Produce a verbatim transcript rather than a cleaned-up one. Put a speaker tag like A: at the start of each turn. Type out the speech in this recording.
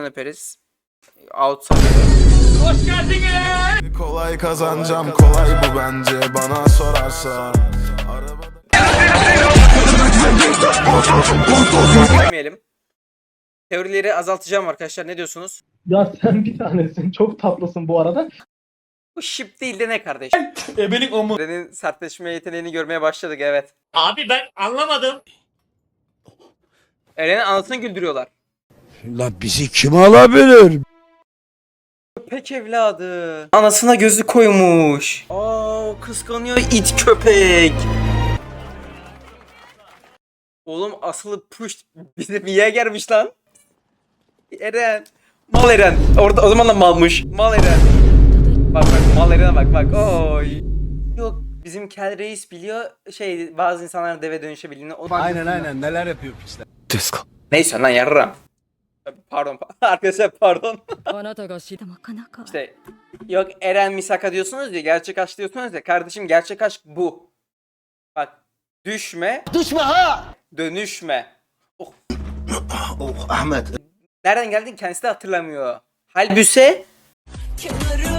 A: öperiz. Outside.
B: Hoş geldiniz.
C: Kolay kazanacağım, kolay bu bence bana sorarsa.
A: Görmeyelim. Teorileri azaltacağım arkadaşlar. Ne diyorsunuz?
D: Ya sen bir tanesin. Çok tatlısın bu arada.
A: Bu şip değil de ne kardeş?
B: Ebelik o mu?
A: Eren'in sertleşme yeteneğini görmeye başladık, evet.
B: Abi ben anlamadım.
A: Eren'in anasını güldürüyorlar.
E: La bizi kim alabilir?
A: Köpek evladı. Anasına gözü koymuş. Aa, kıskanıyor it köpek. Oğlum asılı push bize bir yer gelmiş lan. Eren. Mal Eren. Orada o zaman da malmış. Mal Eren. Bak bak mal Eren'e bak bak. Oy. Yok bizim Kel Reis biliyor şey bazı insanların deve dönüşebildiğini. O...
E: Aynen aynen neler yapıyor piçler.
A: Neyse lan yarram. Pardon arkadaşlar pardon.
F: あなたが知ってもなかなか
A: İşte yok Eren Misaka diyorsunuz ya, gerçek aşk diyorsunuz ya, kardeşim gerçek aşk bu. Bak düşme.
E: Düşme ha!
A: Dönüşme. Oh.
E: Oh Ahmet.
A: Nereden geldin kendisi de hatırlamıyor. Halbüse.
G: Kenarım